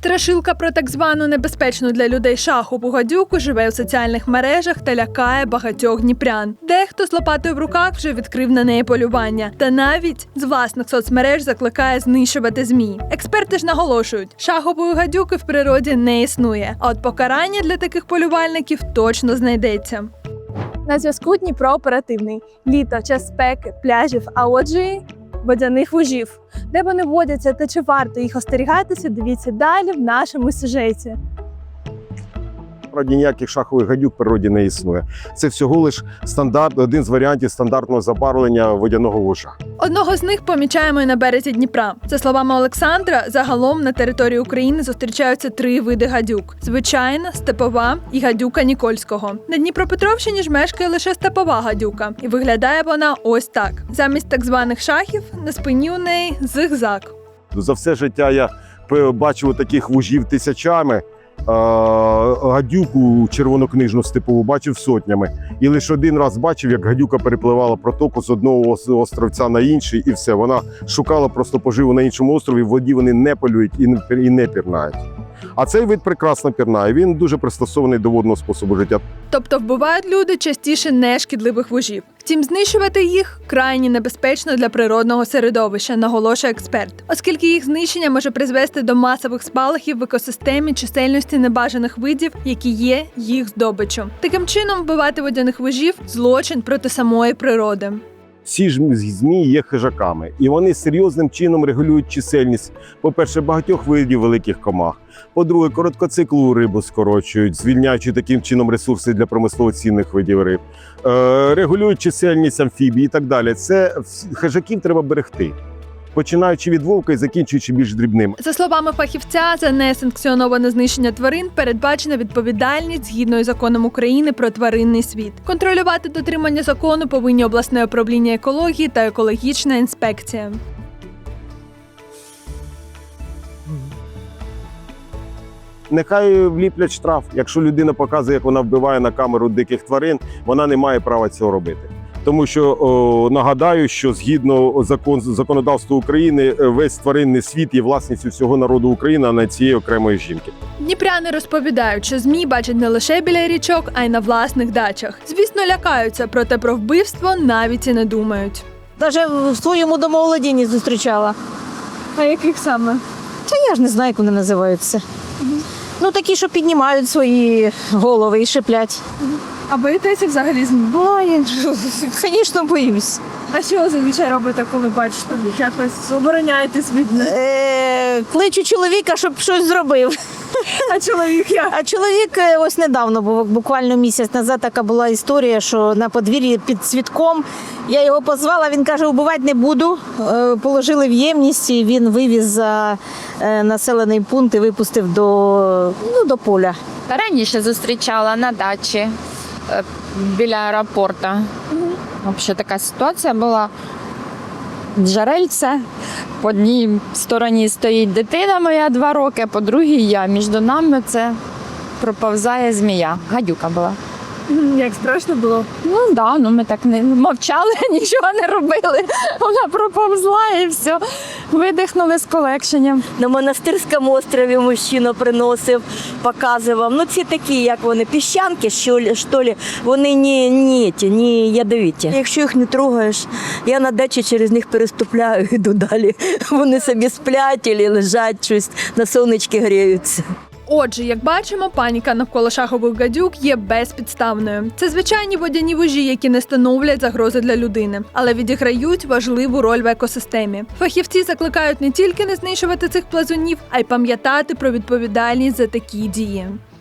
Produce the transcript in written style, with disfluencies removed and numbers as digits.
Страшилка про так звану небезпечну для людей шахову гадюку живе у соціальних мережах та лякає багатьох дніпрян. Дехто з лопатою в руках вже відкрив на неї полювання. Та навіть з власних соцмереж закликає знищувати ЗМІ. Експерти ж наголошують, шахової гадюки в природі не існує. А от покарання для таких полювальників точно знайдеться. На зв'язку Дніпро оперативний. Літо, час спеки, пляжів, а отже й водяних вужів. Де вони водяться та чи варто їх остерігатися, дивіться далі в нашому сюжеті. Насправді ніяких шахових гадюк в природі не існує. Це всього лиш один з варіантів стандартного забарвлення водяного вужа. Одного з них помічаємо і на березі Дніпра. За словами Олександра, загалом на території України зустрічаються 3 види гадюк: звичайна, степова і гадюка Нікольського. На Дніпропетровщині ж мешкає лише степова гадюка. І виглядає вона ось так. Замість так званих шахів на спині у неї зигзаг. За все життя я бачив таких вужів тисячами. Гадюку червонокнижну степову бачив сотнями. І лише один раз бачив, як гадюка перепливала протоку з одного островця на інший, і все. Вона шукала просто поживу на іншому острові, в воді вони не полюють і не пірнають. А цей вид прекрасно пірнає, він дуже пристосований до водного способу життя. Тобто вбивають люди частіше нешкідливих вужів. Втім, знищувати їх крайні небезпечно для природного середовища, наголошує експерт, оскільки їх знищення може призвести до масових спалахів в екосистемі чисельності небажаних видів, які є їх здобиччю. Таким чином, вбивати водяних вужів – злочин проти самої природи. Ці ж змії є хижаками, і вони серйозним чином регулюють чисельність, по-перше, багатьох видів великих комах. По-друге, короткоциклу рибу скорочують, звільняючи таким чином ресурси для промислово цінних видів риб. Регулюють чисельність амфібій і так далі. Це хижаків треба берегти, починаючи від вовка і закінчуючи більш дрібним. За словами фахівця, за несанкціоноване знищення тварин передбачена відповідальність згідно із законом України про тваринний світ. Контролювати дотримання закону повинні обласне управління екології та екологічна інспекція. Нехай вліплять штраф. Якщо людина показує, як вона вбиває на камеру диких тварин, вона не має права цього робити. Тому що, нагадаю, що згідно законодавства України, весь тваринний світ є власністю всього народу України, а не цієї окремої жінки. Дніпряни розповідають, що ЗМІ бачать не лише біля річок, а й на власних дачах. Звісно, лякаються, проте про вбивство навіть і не думають. Навіть в своєму домоволодінні зустрічала. А яких саме? Та я ж не знаю, як вони називаються. Ну, такі, що піднімають свої голови і шиплять. А боїтеся взагалі ЗМІ? Ой, звісно, боюсь. А що зазвичай робите, коли бачите? Якось обороняєтесь від них? Кличу чоловіка, щоб щось зробив. А чоловік як? А чоловік ось недавно, буквально місяць назад, така була історія, що на подвір'ї під цвітком я його позвала, він каже, убивати не буду. Положили в ємність, і він вивіз за населений пункт і випустив до поля. Раніше зустрічала на дачі біля аеропорту. Взагалі така ситуація була. Джерельце. По одній стороні стоїть дитина моя 2 роки, по другій я. Між нами це проповзає змія. Гадюка була. Як страшно було? Ну так, ми так не мовчали, нічого не робили. Вона проповзла і все. Видихнули з полегшенням. На Монастирському острові мужчина приносив, показував. Ну, ці такі, як вони, піщанки, що ли, вони не ядовиті. Якщо їх не трогаєш, я на дачі через них переступляю, йду далі. Вони собі сплять або лежать, щось на сонечки гріються. Отже, як бачимо, паніка навколо шахових гадюк є безпідставною. Це звичайні водяні вужі, які не становлять загрози для людини, але відіграють важливу роль в екосистемі. Фахівці закликають не тільки не знищувати цих плазунів, а й пам'ятати про відповідальність за такі дії.